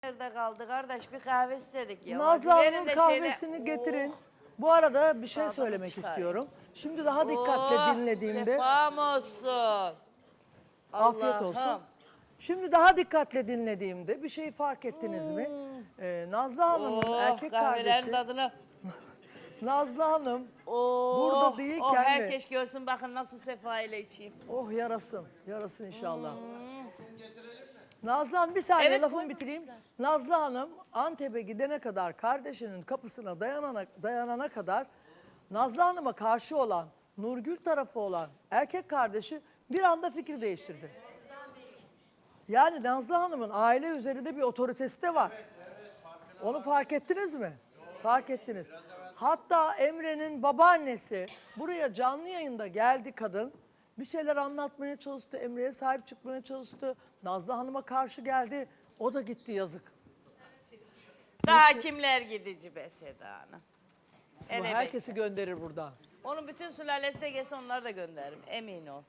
Nerede kaldı kardeş? Bir kahve istedik ya. Nazlı Verin Hanım'ın de kahvesini şöyle- getirin. Bu arada bir şey Tadını söylemek çıkarayım. istiyorum. Şimdi daha dikkatle dinlediğimde Şefam olsun. afiyet olsun. Allah'ım. Şimdi daha dikkatle dinlediğimde bir şey fark ettiniz mi? Nazlı Hanım'ın erkek kahvelerin kardeşi tadını. Nazlı Hanım Oh, burada değilken oh, mi? herkes görsün bakın nasıl sefa ile içeyim. Oh yarasın. Yarasın inşallah. Nazlı Hanım bir saniye Evet, lafımı bitireyim. Nazlı Hanım Antep'e gidene kadar kardeşinin kapısına dayanana kadar Nazlı Hanım'a karşı olan Nurgül tarafı olan erkek kardeşi bir anda fikir değiştirdi. Yani Nazlı Hanım'ın aile üzerinde bir otoritesi de var. Onu fark ettiniz mi? Fark ettiniz. Hatta Emre'nin babaannesi buraya canlı yayında geldi kadın. Bir şeyler anlatmaya çalıştı. Emre'ye sahip çıkmaya çalıştı. Nazlı Hanım'a karşı geldi. O da gitti yazık. Daha kimler gidici be Seda Hanım. Bu Evet. herkesi gönderir buradan. Onun bütün sülalesi de gelse onları da gönderirim. Emin ol.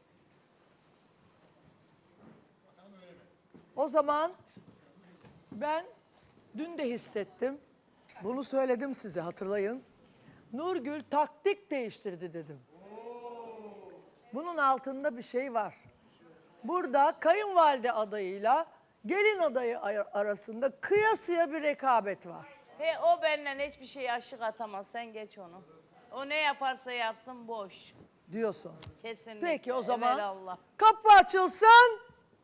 O zaman ben dün de hissettim. Bunu söyledim size hatırlayın. Nurgül taktik değiştirdi dedim. Bunun altında bir şey var. Burada kayınvalide adayıyla gelin adayı arasında kıyasıya bir rekabet var. He o benden hiçbir şeye aşık atamaz. Sen geç onu. O ne yaparsa yapsın boş. Diyorsun. Kesinlikle. Peki o zaman Evelallah. kapı açılsın.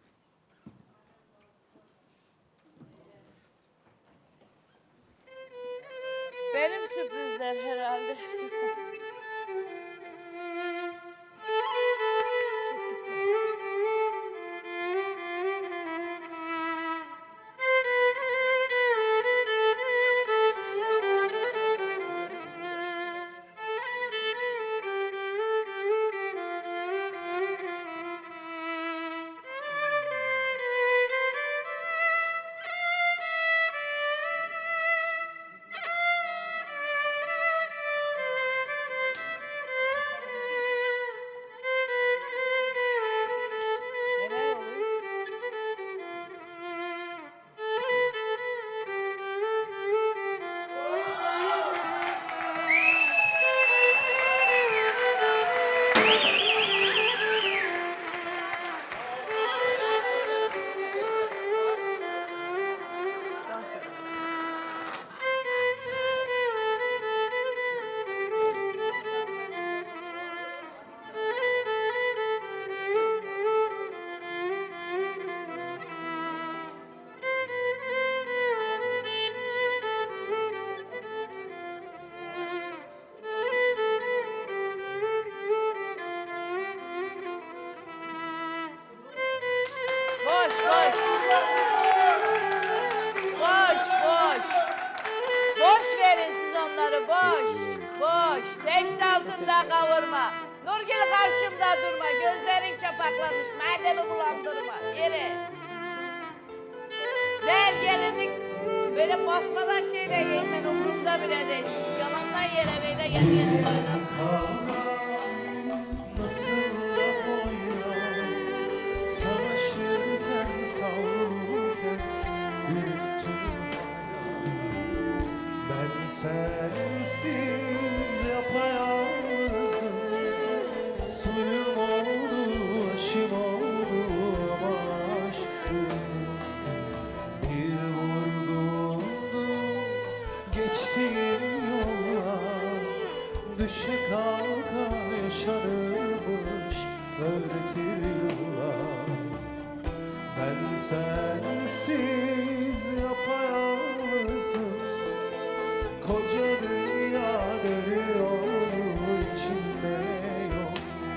Benim sürprizler herhalde. Neler oluyor? Dans edelim. Boş boş. Boş boş. Boş verin siz onları boş. Boş. Teşte altında kavurma. Nurgül karşımda durma. Gözlerin çapaklamış. Mademi bulandırma. Yere. Gel gelinlik. Böyle basmadan şeyle giysen umurumda bile değil. Yalandan yere böyle gel oynan. Nasıl da boyraz savaşırken savrulurken büyüttüm ben sensiz yapayalnızım suyum oldu aşım oldu ama aşksız bir vurgundu geçtiğim yollar düşe kalka yaşanırmış öğretir yıllar ben sensiz yapayalnızım koca dünya dönüyor içinde yok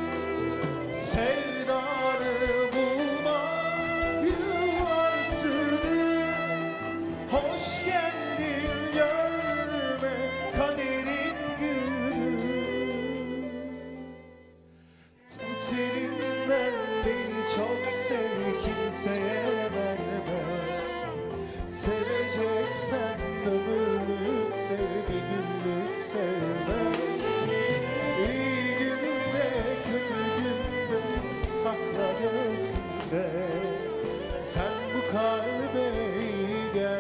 sevdanı bulmak yıllar sürdü hoş geldin gönlüme kaderin gülü telinden beni çok sev kimseye verme seveceksen ömürlük sev bir günlük sevme İyi günde kötü günde sakla göğsünde sen bu kalbe iyi gel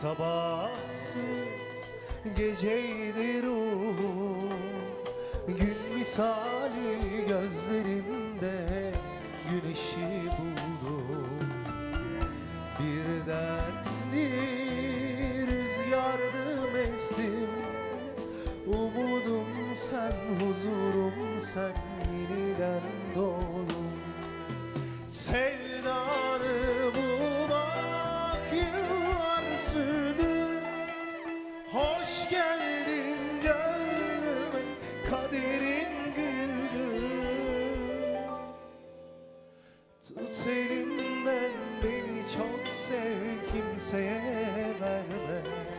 Sabahsız geceydi ruhum, gün misali gözlerinde güneşi buldum. Bir dertli rüzgardım estim, umudum sen, huzurum sen, yeniden doğdum. Sevdanı bulmak yıllar sürdü. Hoş geldin gönlüme, kaderin güldü. Tut elimden beni çok sev, kimseye verme.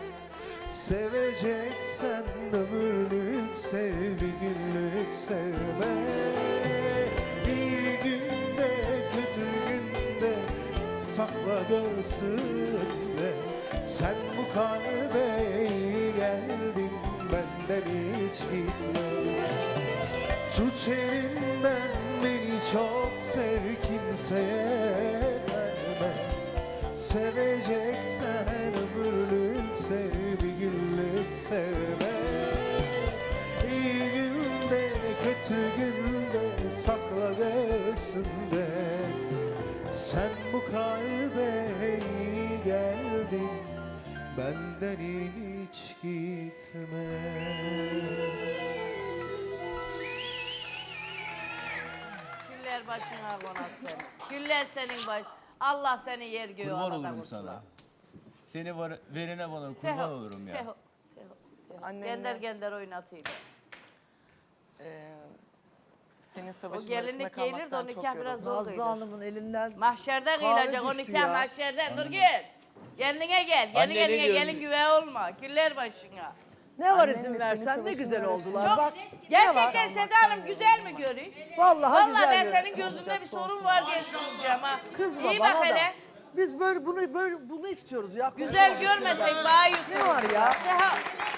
Seveceksen ömürlük sev, bir günlük sevme. İyi günde kötü günde sakla göğsünde. Sen bu kalbe iyi geldin, benden hiç gitme. Tut elimden beni çok sev, kimseye verme. Seveceksen ömürlük sev, bir günlük sevme. İyi günde kötü günde sakla göğsünde. Sen bu kalbe iyi geldin, benden hiç gitme. Güller başına konasın. Güller senin baş. Allah seni yer göğü Kurban arada olurum kurtular. sana. Seni verene bana kurban olurum ya. Teho. Annemle- Gender oynatıydı. Senin O savaşın gelinlik arasında giyilir de o kalmaktan çok nikah biraz yoruldum. zor Nazlı Hanım'ın elinden Mahşerde kahve kıyılacak o düştü nikah ya. mahşerde. Nurgül. Kendine gel. Anne Kendi ne kendine diyorsun? gelin güve olma. Güller başına. ne var Annemle izin senin versen ne savaşın güzel arasında- oldular. Çok, Bak gerçekten Seda Hanım güzel mi görüyor? Vallahi güzel ben görüyor. senin gözünde bir sorun var diye düşüneceğim ha. kızma İyi bana bak da. hele. Biz bunu istiyoruz ya. Güzel görmesek daha iyi. Ne var ya? Teho.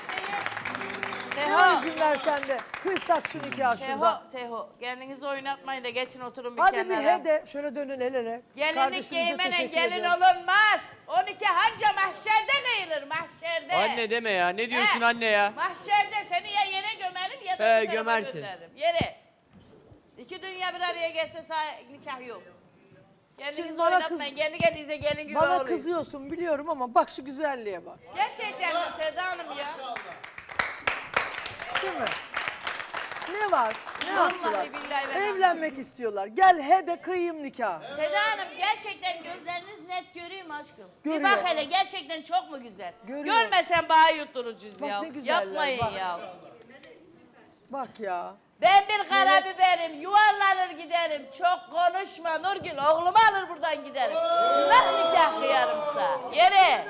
Ne var Teho. izin versen de kıysak şu nikah şurada. Teho. Kendinizi oynatmayın da geçin oturun bir Hadi bir kenara. he de şöyle dönün el ele. Gelinlik Kardeşimize giymene teşekkür gelin ediyoruz. olunmaz. O nikah anca mahşerde kıyılır mahşerde. Anne deme ya. Ne diyorsun He, anne ya? Mahşerde seni ya yere gömerim ya da He, bu tarafa gömersin. gönderirim. Yere. İki dünya bir araya gelse nikah yok. Şimdi Kendinizi bana oynatmayın. Kendi kendinize gelin gibi Bana olayım. kızıyorsun biliyorum ama bak şu güzelliğe bak. Gerçekten mi Seda Hanım ya? Değil mi? Ne var? Ne yaptılar? Vallahi billahi ben Evlenmek istiyorlar. Gel he de kıyayım nikah. Seda Hanım gerçekten gözleriniz net göreyim aşkım. Görüyor. Bir bak hele gerçekten çok mu güzel? Görüyor. Görmesen bana yutturucuyuz Bak ya. ne güzeller, Yapmayın bak. ya. Bak ya. Ben bir karabiberim, yuvarlanır giderim. Çok konuşma Nurgül, oğlumu alır buradan giderim. Nah nikah kıyarımsa. Yere.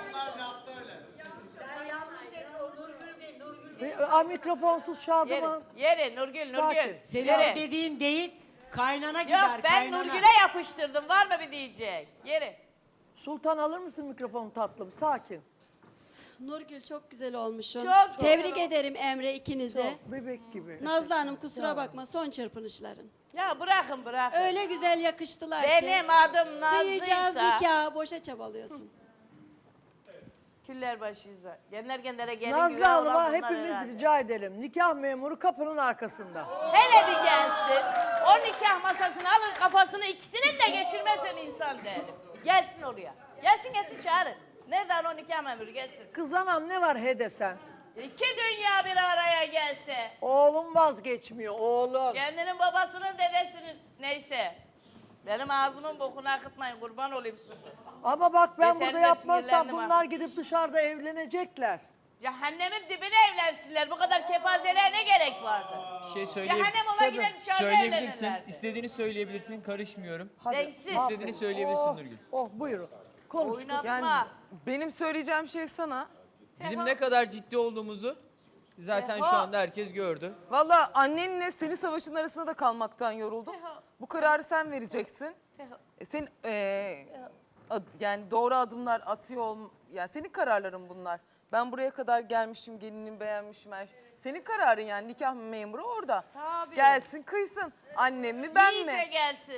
Mikrofonsuz Şadıman. Yere Nurgül, Sakin. Nurgül. Senin Yere. o dediğin değil, kaynana Yok gider, ben kaynana. Nurgül'e yapıştırdım. Var mı bir diyecek? Yere. Sultan alır mısın mikrofonu tatlım? Sakin. Nurgül çok güzel olmuşsun. Çok Tebrik güzel ederim Emre ikinize. Bebek gibi. Nazlı Hanım kusura bakma son çırpınışların. Ya bırakın bırakın. Öyle güzel yakıştılar ki. Benim adım Kıyacağız Nazlı'ysa. nikah boşa çabalıyorsun. Küller başıysa. Genler gelin Nazlı güve olan Hanım'a bunlar hepimiz herhalde. rica edelim. Nikah memuru kapının arkasında. Hele bir gelsin. O nikah masasını alır kafasını ikisinin de geçirmezsem insan değilim. Gelsin oraya. Gelsin çağırın. Nereden o nikah memuru gelsin. Kızlanam ne var he desen. İki dünya bir araya gelse. Oğlum vazgeçmiyor oğlum. Kendinin babasının dedesinin neyse. Benim ağzımın bokunu akıtmayın kurban olayım susun. Ama bak ben Yeterli burada de yapmazsam sinirlendim bunlar ha. gidip dışarıda evlenecekler. Cehennemin dibine evlensinler. Bu kadar kepazeliğe ne gerek vardı? Bir şey Cehennem ola giden dışarıda söyleyebilirsin. evlenirlerdi. İstediğini söyleyebilirsin. Karışmıyorum. Denksiz. İstediğini söyleyebilirsin Oh, Nurgül. oh buyurun. Konuş kız. Oynatma. Yani benim söyleyeceğim şey sana. Bizim ne kadar ciddi olduğumuzu zaten şu anda herkes gördü. Valla annenle senin savaşın arasında da kalmaktan yoruldum. Teho. Bu kararı sen vereceksin. Teho. Sen yani doğru adımlar atıyor yani senin kararların bunlar. Ben buraya kadar gelmişim, gelinimi beğenmişim her şey. Senin kararın yani nikah memuru orada. Tabii. Gelsin kıysın. Annem mi ben Neyse mi? gelsin.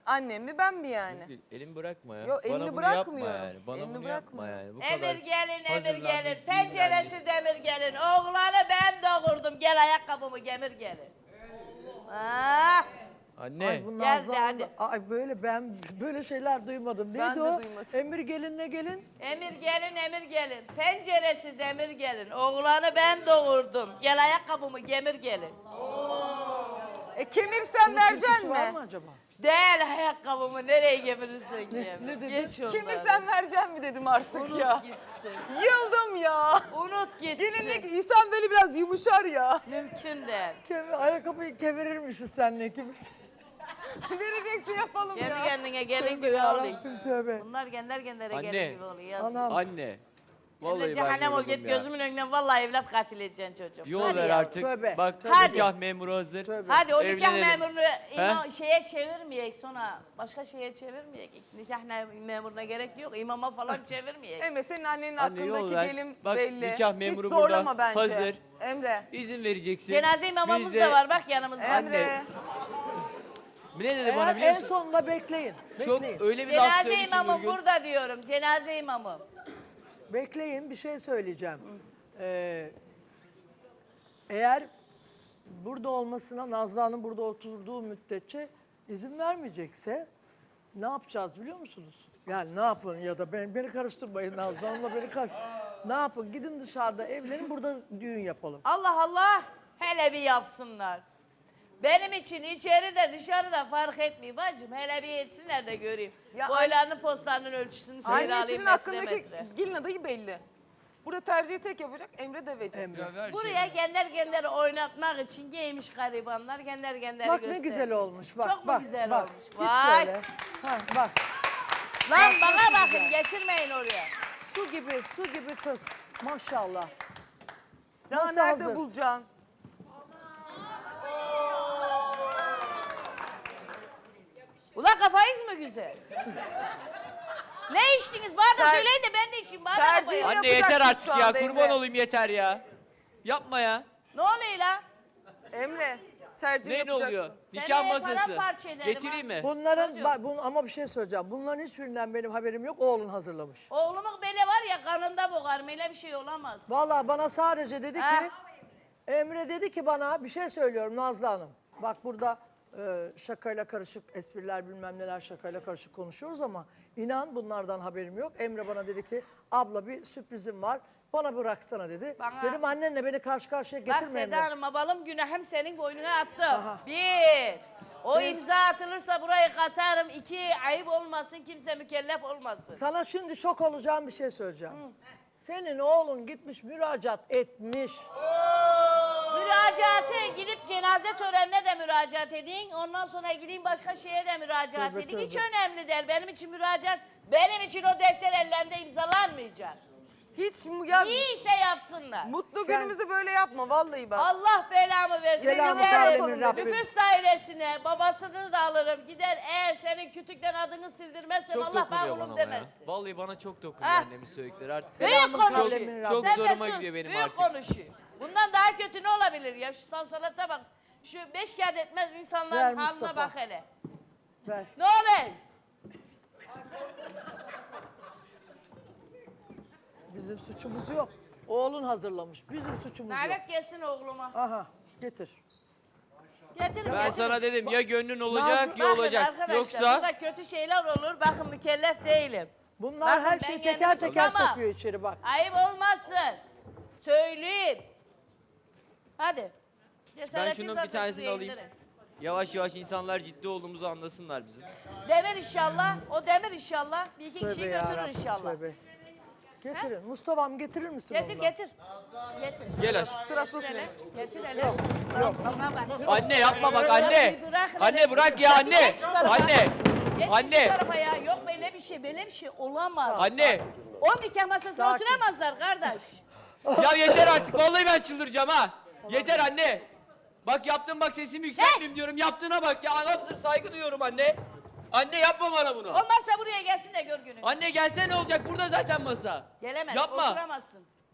Annem mi ben mi yani? Elimi bırakma ya. Yo, Bana elini bunu bırakmıyorum. yapma yani. Bana Elini bunu yapma bırakmıyorum. yani. Bu Emir kadar gelin, Emir hazırlandık, gelin. Penceresi dinlendik. demir gelin. Oğlanı ben doğurdum. Gel ayakkabımı gemir gelin. Ah, Anne. Ay bu Gel Nazlı de Hanım hadi. da- Ay böyle ben böyle şeyler duymadım. Neydi Ben de o? duymadım. Emir gelin ne gelin? Emir gelin, Emir gelin. Penceresi demir gelin. Oğlanı ben doğurdum. Gel ayakkabımı gemir gelin. Kemirsen Bunun vereceksin türküsü var mi? mı acaba? Değil ayakkabımı nereye gemirirsen gem. ne dedi? Geç onları. Kemirsen vereceksin mi dedim artık Unut ya. gitsin. Yıldım ya. Unut gitsin. Gelinlik insan böyle biraz yumuşar ya. Mümkün değil. Ayakkabıyı kemirirmişiz seninle ikimiz. Vereceksin yapalım Kendi ya. kendine gelin Tövbe gibi oluyor. yarabbim tövbe. Bunlar kendine Anne. gelin gibi oluyor. Yazık. Anam. Anne. Vallahi Vallahi ben cehennem ol yoruldum git ya. gözümün önünden vallahi evlat katil edeceksin çocuğum. Yol Hadi ver ya. artık. Tövbe, Bak Hadi. nikah memuru hazır. Tövbe. Hadi o nikah Evlenelim. memurunu şeye çevirmeyek sonra. Başka şeye çevirmeyek. Nikah memuruna gerek yok. İmama falan çevirmeyek. Emre senin annenin Anne, yol aklındaki ver. gelin Bak, belli. nikah memuru Hiç zorlama burada. bence. Hazır. Emre. İzin vereceksin. Cenaze imamımız Biz de- da var bak yanımızda. Emre. Ne dedi bana Eğer biliyor en musun? sonunda bekleyin. Çok Bekleyin. öyle bir laf Cenaze söyledi ki imamım Nurgül. burada diyorum. Cenaze imamım. Bekleyin bir şey söyleyeceğim. Eğer burada olmasına Nazlı Hanım burada oturduğu müddetçe izin vermeyecekse ne yapacağız biliyor musunuz? Yani ne yapın ya da beni karıştırmayın Nazlı Hanım'la beni ne yapın gidin dışarıda evlenin burada düğün yapalım. Allah Allah. Hele bir yapsınlar. Benim için içeride dışarıda fark etmiyor bacım. Hele bir etsinler de göreyim. Ya Boylarının postlarının ölçüsünü alayım Annesinin metre aklındaki metre. gelin adayı belli. Burada tercihi tek yapacak Emre de verecek. Emre. Ya ver Buraya şeyi. genler oynatmak için giymiş garibanlar genler Bak ne gösteriyor. güzel olmuş bak Çok mu bak güzel bak. olmuş? Git Vay. şöyle. Ha, bak Lan bana bakın getirmeyin oraya. su gibi kız maşallah. Daha Nasıl nerede hazır? bulacaksın? Ulan kafanız mı güzel? Ne içtiniz? Bana da söyleyin de ben de içeyim. Bana da tercih- koyun. Anne yapacaksın yeter artık şu ya. anda Kurban Emre. olayım yeter ya. Yapma ya. Ne oluyor lan? Emre tercih Ne yapacaksın. oluyor? Seneye Nikah masası. paramparça ederim Getireyim ha. mi? Bunların ama bir şey söyleyeceğim. Bunların hiçbirinden benim haberim yok. Oğlun hazırlamış. Oğlumun beni var ya kanında boğarım. Öyle bir şey olamaz. Vallahi bana sadece dedi ki Ha. Emre dedi ki bana bir şey söylüyorum Nazlı Hanım. Bak burada şakayla karışık espriler bilmem neler şakayla karışık konuşuyoruz ama inan bunlardan haberim yok. Emre bana dedi ki abla bir sürprizim var. Bana bıraksana dedi. Bana- Dedim annenle beni karşı karşıya Bak getirme Seda Emre. Hanım balım günahım senin boynuna attım. Aha. Bir. O imza atılırsa burayı katarım. İki. Ayıp olmasın kimse mükellef olmasın. Sana şimdi şok olacağım bir şey söyleyeceğim. Senin oğlun gitmiş müracaat etmiş. Müracaate gidip cenaze törenine de müracaat edin. Ondan sonra gideyim başka şeye de müracaat Tövbe, edin. Hiç tövbe. önemli değil. Benim için müracaat, benim için o defter ellerinde imzalanmayacak. Hiç ya Niyeyse yapsınlar. mutlu Sen- günümüzü böyle yapma vallahi bak. Allah belamı versin. Selamı Giderim, kavlemin Rabbim. nüfus dairesine babasını da alırım. Gider eğer senin kütükten adını sildirmezsem Çok Allah dokunuyor oğlum bana ama ya. demezsin. Vallahi bana çok dokunuyor Ha. annemin söyledikleri artık. Büyük Selamın konuşuyor. kavlemin Çok Sen de zoruma sus, gidiyor benim büyük artık. konuşuyor. Bundan daha kötü ne olabilir ya? Şu sansalata bak. Şu 5 kağıt etmez Ver insanların haline Mustafa. bak hele. Ver. Ne oluyor? Bizim suçumuz yok. Oğlun hazırlamış. Bizim suçumuz yok. Lanet gelsin oğluma. Aha getir. Getirin Ben getirin. sana dedim ya gönlün olacak Nazlı- ya Bakın olacak. arkadaşlar Yoksa burada kötü şeyler olur. Bakın mükellef değilim. Bunlar Bakın her ben şeyi kendimi teker teker tutamam. sokuyor içeri bak. Ayıp olmasın. Söyleyeyim. Hadi. ben Cesaretiniz şunun bir varsa tanesini şuraya alayım. indirin. Yavaş yavaş insanlar ciddi olduğumuzu anlasınlar bizim. Demir inşallah. O demir inşallah. Bir iki Tövbe kişiyi ya götürür Rabbim, inşallah. tövbe. Getirin. Mustafa'm getirir misin Getir ondan? getir. Getir. Gel aç. Tırastos Hele. ne? Getir hele. Yok, yok. Bana bak. Anne yapma bak anne. Bir bırakın Anne hele. bırak ya Bir anne. geç şu tarafa. Anne. Geç şu Anne. tarafa ya. Yok böyle bir şey olamaz. Anne. O nikah masasına Sakin. oturamazlar kardeş. Ya yeter artık vallahi ben çıldıracağım ha. Yeter anne. Bak yaptım bak sesimi yükseltmeyeyim diyorum. Yaptığına bak ya. Anamsın saygı duyuyorum anne. Anne yapma bana bunu. O masa buraya gelsin de gör günü. Anne gelsene ne olacak burada zaten masa. Gelemez, Yapma. oturamazsın.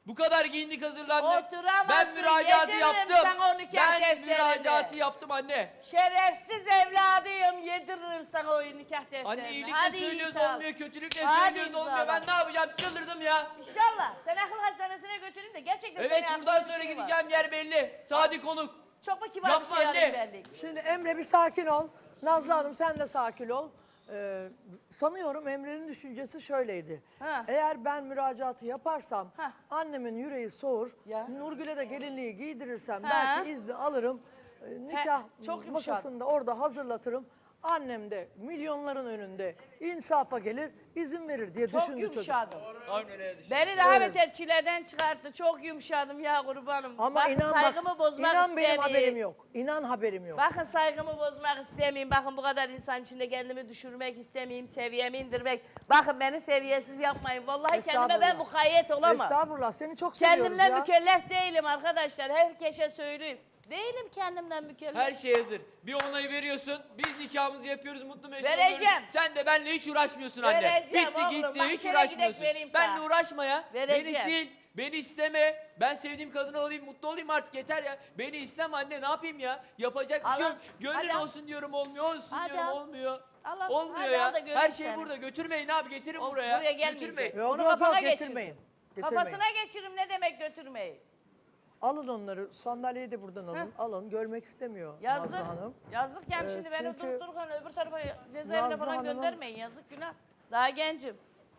Bu kadar giyindik hazırlandık. Oturamazsın, Ben müracaatı yediririm yaptım. sana o nikah Ben defterini. müracaatı yaptım anne. Şerefsiz evladıyım. Yediririm sana o nikah defterini. Anne iyilikle Hadi iyi söylüyoruz sağ ol. olmuyor, kötülükle Hadi söylüyoruz olmuyor. imzala. Ben ne yapacağım? Çıldırdım ya. İnşallah. Seni akıl hastanesine götüreyim de gerçekten Evet, seni buradan aklında bir sonra şey var. gideceğim yer belli. Sadi konuk. Çok mu kibar Yapma bir şey anne. alayım benlik? Şimdi Emre bir sakin ol. Nazlı Hanım sen de sakin ol. Sanıyorum Emre'nin düşüncesi şöyleydi. Ha. Eğer ben müracaatı yaparsam Ha. annemin yüreği soğur. Ya. Nurgül'e de gelinliği giydirirsem Ha. belki izni alırım. Nikah çok yumuşak. masasında orada hazırlatırım. Annem de milyonların önünde insafa gelir, izin verir diye Çok düşündü çocuk. yumuşadım. Aynen öyle düşünüyorum. Beni daha Evet. beter çileden çıkarttı. Çok yumuşadım ya kurbanım. Ama Bakın inan saygımı bak, bozmak inan benim istemeyeyim. haberim yok. İnan haberim yok. Bakın saygımı bozmak istemeyeyim. Bakın bu kadar insan içinde kendimi düşürmek istemeyeyim. Seviyemi indirmek. Bakın beni seviyesiz yapmayın. Vallahi kendime ben Estağfurullah. mukayyet olamam. Estağfurullah seni çok seviyoruz Kendimden ya. mükellef değilim arkadaşlar. Herkese söyleyeyim. Değilim kendimden mükellef. Her şey hazır. Bir onayı veriyorsun. Biz nikahımızı yapıyoruz. Mutlu mesut Vereceğim. oluyoruz. Sen de benimle hiç uğraşmıyorsun anne. Vereceğim Bitti oğlum. gitti Bak hiç şöyle uğraşmıyorsun. gidek vereyim Benle sana. uğraşma ya. Vereceğim. Beni sil. Beni isteme. Ben sevdiğim kadını olayım, mutlu olayım artık yeter ya. Beni isteme anne, ne yapayım ya? Yapacak bir şey Al, yok. Gönlün hadi al. olsun diyorum, olmuyor, olsun Hadi diyorum, al. olmuyor. Al, al. Olmuyor Hadi ya. al da göreyim Her şey seni. burada. Götürmeyin abi, getirin O buraya. buraya gelmeyecek. Götürmeyin. Yok Onu yok kafana yok geçir. getirmeyin. Kafasına geçiririm ne demek götürmeyi. Alın onları, sandalyeyi de buradan alın. Alın, görmek istemiyor Yazık. Nazlı Hanım. Yazık yani Evet, şimdi beni çünkü dururken öbür tarafa cezaevine Nazlı falan Hanım'ın- göndermeyin. Yazık günah. Daha gencim.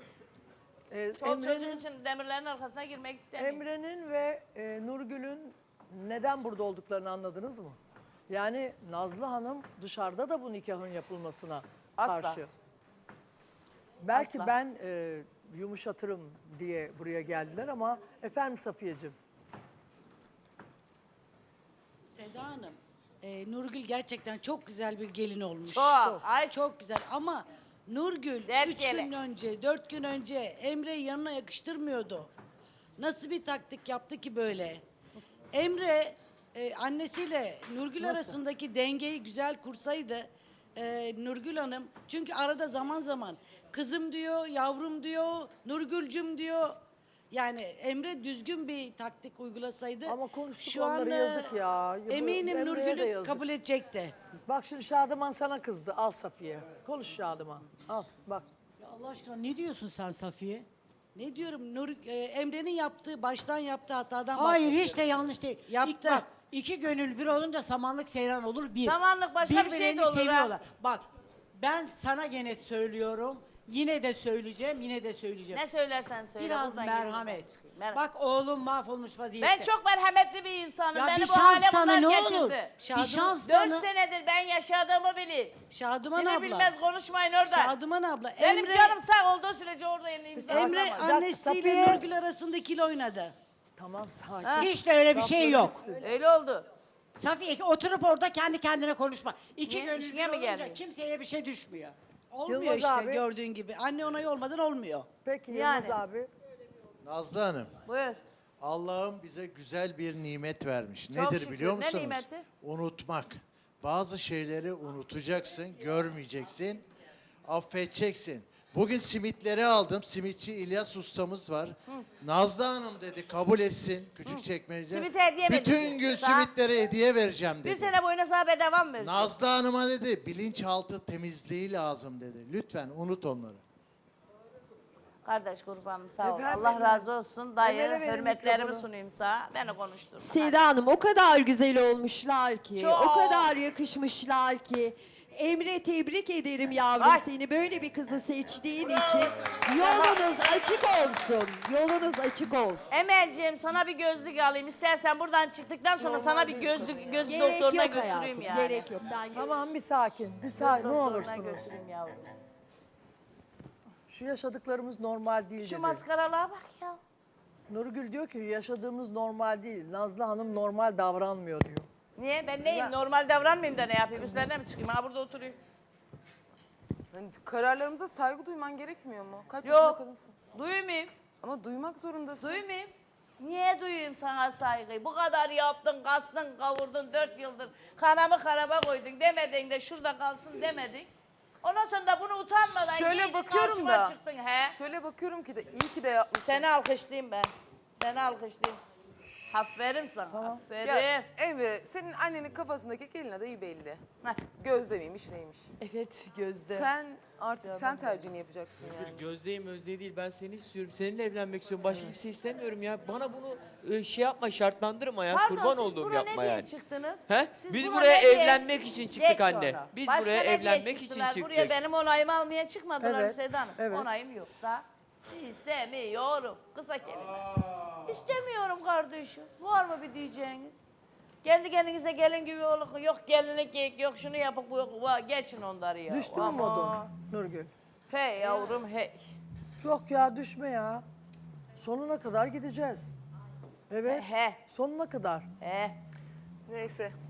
Çoluk çocuğun Emre'nin, için demirlerin arkasına girmek istemiyorum. Emre'nin ve Nurgül'ün neden burada olduklarını anladınız mı? Yani Nazlı Hanım dışarıda da bu nikahın yapılmasına Asla. karşı. Belki Asla. ben yumuşatırım diye buraya geldiler ama efendim Safiyeciğim. Seda Hanım, Nurgül gerçekten çok güzel bir gelin olmuş. Çok. Ay. Çok güzel ama Nurgül Dert 3 gele. gün önce, 4 gün önce Emre'yi yanına yakıştırmıyordu. Nasıl bir taktik yaptı ki böyle? Emre annesiyle Nurgül arasındaki dengeyi güzel kursaydı Nurgül Hanım, çünkü arada zaman zaman kızım diyor, yavrum diyor, Nurgülcüm diyor. Yani Emre düzgün bir taktik uygulasaydı Ama konuştuk şu an onları, yazık ya. Bu eminim Emre'ye de Nurgül'ü yazık. kabul edecekti. Bak şimdi Şadıman sana kızdı. Al Safiye. Konuş Şadıman. Al bak. Ya Allah aşkına ne diyorsun sen Safiye? Ne diyorum Emre'nin yaptığı, baştan yaptığı hatadan Hayır bahsediyorum. hiç de yanlış değil. Yaptı. İlk bak, iki gönül bir olunca samanlık seyran olur bir. Samanlık başka bir şey de Birbirlerini olur ha. seviyorlar. Bak ben sana gene söylüyorum. Yine de söyleyeceğim, yine de söyleyeceğim. Ne söylersen söyle. Biraz buradan merhamet. gelin. Bak oğlum mahvolmuş vaziyette. Ben çok merhametli bir insanım. Ya Beni bir bu şans hale tanı bunlar ne getirdi. olur? Şadım- Bir şans 4 tanı. senedir ben yaşadığımı bilin. Şaduman Beni abla. bilmez konuşmayın orada. Şaduman abla. Benim canım sağ olduğu sürece orada yeniyim. Emre Sakin ol. annesiyle Safiye. Nurgül arasında ikili oynadı. Tamam sakin. Hiç de öyle bir şey yok. Öyle oldu. Safiye oturup orada kendi kendine konuşma. İki Niye? gönül İşine bir mi olunca gelmiyor? kimseye bir şey düşmüyor. Olmuyor Yılmaz işte abi. gördüğün gibi. Anne onayı olmadan olmuyor. Peki Yani. Yılmaz abi. Nazlı Hanım, Buyur. Allah'ım bize güzel bir nimet vermiş. Çok Nedir şükür. biliyor Ne musunuz? nimeti? Unutmak. Bazı şeyleri unutacaksın, görmeyeceksin, affedeceksin. Bugün simitleri aldım. Simitçi İlyas ustamız var. Nazlı Hanım dedi kabul etsin. Küçükçekmece'de. Simit hediye mi Bütün dedi? gün Sağ- simitlere hediye vereceğim Bir dedi. sene boyunca sana bedava mı vereceksin? Nazlı Hanım'a dedi bilinçaltı temizliği lazım dedi. Lütfen unut onları. Kardeş kurbanım sağ ol. Efendim, Allah razı olsun. Dayı Emel'e verin hürmetlerimi mikrofonu. sunayım sana. Beni konuşturma. Seda Hanım o kadar güzel olmuşlar ki, Çok. o kadar yakışmışlar ki. Emre tebrik ederim yavrum Ay. seni böyle bir kızı seçtiğin için. Yolunuz açık olsun, yolunuz açık olsun. Emelciğim sana bir gözlük alayım. İstersen buradan çıktıktan sonra sana bir göz Gerek doktoruna yok götüreyim hayatım, yani. gerek yok. Ben Tamam bir sakin. Bir sakin ne Doktoruna olursunuz. götüreyim yavrum. Şu yaşadıklarımız normal değil Şu dedi. maskaralığa bak ya. Nurgül diyor ki yaşadığımız normal değil. Nazlı Hanım normal davranmıyor diyor. Niye? Ben neyim? Normal davranmayayım da ne yapayım? Üstlerine mi çıkayım? Ha burada oturayım. Yani kararlarımıza saygı duyman gerekmiyor mu? Kaç Yok. yaşında kadınsın? Duymayayım. Ama duymak zorundasın. Duymayayım. Niye duyayım sana saygıyı? Bu kadar yaptın, kastın, kavurdun 4 yıldır. Kanamı karaba koydun demedin de şurada kalsın demedin. Ondan sonra da bunu utanmadan Şöyle giydin bakıyorum karşıma da. çıktın. He? Şöyle bakıyorum ki de iyi ki de yapmışsın. Seni alkışlayayım ben. Seni alkışlayayım. Aferin sana. Aferin. Ya Emre senin annenin kafasındaki gelin adayı belli. Heh. Gözde miymiş neymiş? Evet Gözde. Sen artık sen tercihini yapacaksın yani. Gözde'yim Özde değil. Ben seni istiyorum. Seninle evlenmek istiyorum. Başka kimse istemiyorum ya. Bana bunu şey yapma, şartlandırma ya. Pardon, Kurban siz olduğum buraya yapma ne diye yani. çıktınız? He? Siz Biz buna buraya ne diye- evlenmek için çıktık Geç anne. onu. Biz Başka buraya ne diye evlenmek için çıktılar? çıktık. Buraya benim onayımı almaya çıkmadılar Evet, Seda Hanım. evet. Onayım yok da. İstemiyorum. Kısa kelime. İstemiyorum kardeşim. Var mı bir diyeceğiniz? Kendi kendinize gelin gibi olun. Yok gelinlik yok şunu yapın bu yok. Geçin onları ya. Düştü mü Aman. modun Nurgül? Hey yavrum hey. Yok ya düşme ya. Sonuna kadar gideceğiz. Evet. He. Sonuna kadar. He. Neyse